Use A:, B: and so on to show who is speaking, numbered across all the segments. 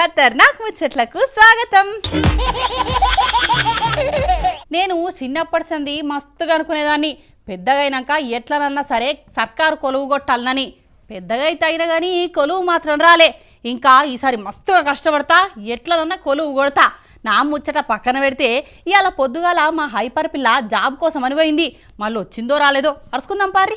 A: ఖతర్నాక్ ముచ్చట్లకు స్వాగతం. నేను చిన్నప్పటి సంది మస్తుగా అనుకునేదాన్ని పెద్దగైనాక ఎట్లనన్నా సరే సర్కారు కొలువు కొట్టాలనని. పెద్దగా అయితే అయినా కానీ కొలువు మాత్రం రాలే. ఇంకా ఈసారి మస్తుగా కష్టపడతా ఎట్లనన్నా కొలువు కొడతా. నా ముచ్చట పక్కన పెడితే ఇవాళ పొద్దుగాల మా హైపర్ పిల్ల జాబ్ కోసం అని పోయింది. మళ్ళీ వచ్చిందో రాలేదో అరుచుకుందాం పారి.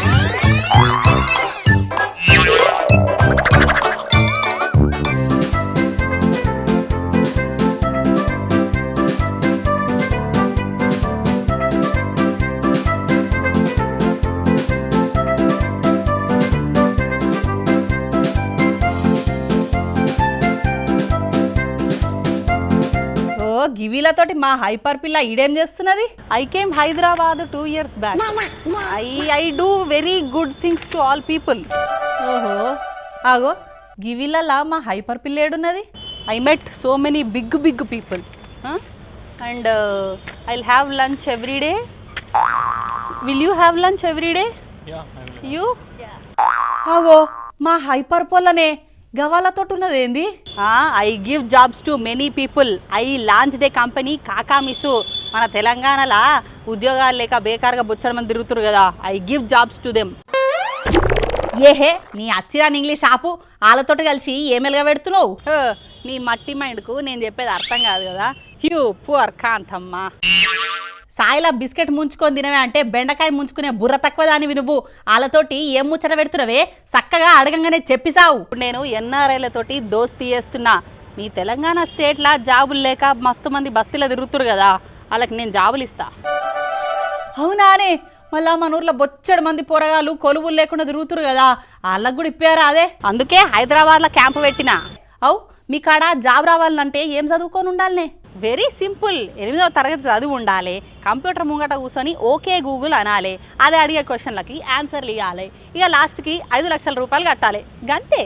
A: గివిలతోటి మా హైపర్ పిల్ల ఈడేం చేస్తున్నది? I came Hyderabad 2 years back. I do very good things to all people. ఓహో ఆగో గివిలలా మా హైపర్ పిల్ల ఏడున్నది? I met so many big people and I will have lunch every day. Will you have lunch every day? You? ఆగో మా hyper పొల్లనే గవాలతో ఉన్నది ఏంది? I give jobs to many people. I launch day company కాకా మిసు. మన తెలంగాణలో ఉద్యోగాలు లేక బేకారుగా బుచ్చడ మంది తిరుగుతారు కదా. I give jobs to them. ఏహే నీ అచ్చిరాని ఇంగ్లీష్ ఆపు. వాళ్ళతోటి కలిసి ఏమెలుగా పెడుతున్నావు? నీ మట్టి మైండ్కు నేను చెప్పేది అర్థం కాదు కదా. హ్యూ పువర్ కాంతమ్మ. సాయిలా బిస్కెట్ ముంచుకొని తినవే అంటే బెండకాయ ముంచుకునే బుర్ర తక్కువ దానివి నువ్వు. వాళ్ళతోటి ఏం ముచ్చట పెడుతున్నావే చక్కగా అడగంగానే చెప్పిసావు. నేను ఎన్ఆర్ఐలతోటి దోస్తీ చేస్తున్నా. మీ తెలంగాణ స్టేట్లా జాబులు లేక మస్తు మంది బస్తీలో తిరుగుతురు కదా, వాళ్ళకి నేను జాబులు ఇస్తా. అవునానే? మళ్ళా మన ఊర్లో బొచ్చడు మంది పోరగాళ్ళు కొలువులు లేకుండా తిరుగుతురు కదా, వాళ్ళకు కూడా ఇప్పారా? అదే అందుకే హైదరాబాద్లో క్యాంపు పెట్టినా. అవు మీ కాడ జాబ్ రావాలంటే ఏం చదువుకొని ఉండాలనే? Very simple. 8వ తరగతి చదువు ఉండాలి. కంప్యూటర్ ముంగట కూర్చొని ఓకే గూగుల్ అనాలి. అదే అడిగే క్వశ్చన్లకి ఆన్సర్లు ఇవ్వాలి. ఇక లాస్ట్కి 5 లక్షల రూపాయలు కట్టాలి. గంతే.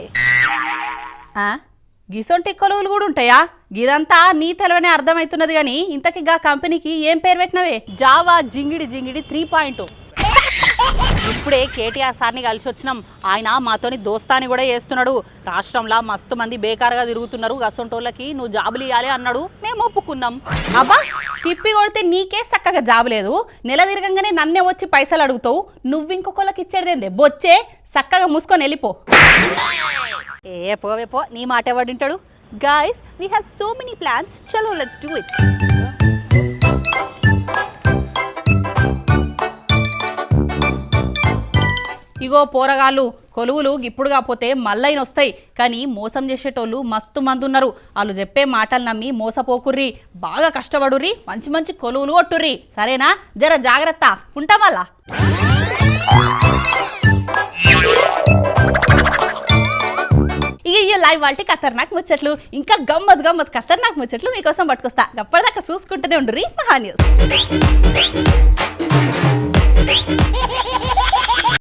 A: గిసొంటి కొలువులు కూడా ఉంటాయా? గిదంతా నీ తెలవనే అర్థమవుతున్నది. కానీ ఇంతకి గా కంపెనీకి ఏం పేరు పెట్టినవే? జావా జింగిడి 3.0. ఇప్పుడే కేటీఆర్ సార్ని కలిసి వచ్చినాం. ఆయన మాతోని దోస్తాని కూడా చేస్తున్నాడు. రాష్ట్రంలో మస్తు మంది బేకారుగా తిరుగుతున్నారు, గసొంటోళ్ళకి నువ్వు జాబులు ఇవ్వాలి అన్నాడు. మేము ఒప్పుకున్నాం. అబ్బా తిప్పి కొడితే నీకే చక్కగా జాబు లేదు. నెల తిరగంగానే నన్నే వచ్చి పైసలు అడుగుతావు. నువ్వు ఇంకొకళ్ళకి ఇచ్చేదేందే? బొచ్చే చక్కగా మూసుకొని వెళ్ళిపో. ఏ పోవే పో, నీ మాట ఎవడింటాడు? Guys we have so many plans. చలో లెట్స్ డూ ఇట్. ఇగో పోరగాళ్ళు కొలువులు ఇప్పుడు కాకపోతే మళ్ళైన వస్తాయి. కానీ మోసం చేసేటోళ్ళు మస్తు మంది ఉన్నారు. వాళ్ళు చెప్పే మాటలు నమ్మి మోసపోకుర్రి. బాగా కష్టపడుర్రి. మంచి కొలువులు కొట్టుర్రి. సరేనా? జర జాగ్రత్త. ఉంటాం మళ్ళా. ఇక లైవ్ వాళ్ళకి ఖతర్నాక్ ముచ్చట్లు ఇంకా గమ్మత్ ఖతర్నాక్ ముచ్చట్లు మీకోసం పట్టుకొస్తా. అప్పటిదాకా చూసుకుంటూనే ఉండుర్రి మహా న్యూస్.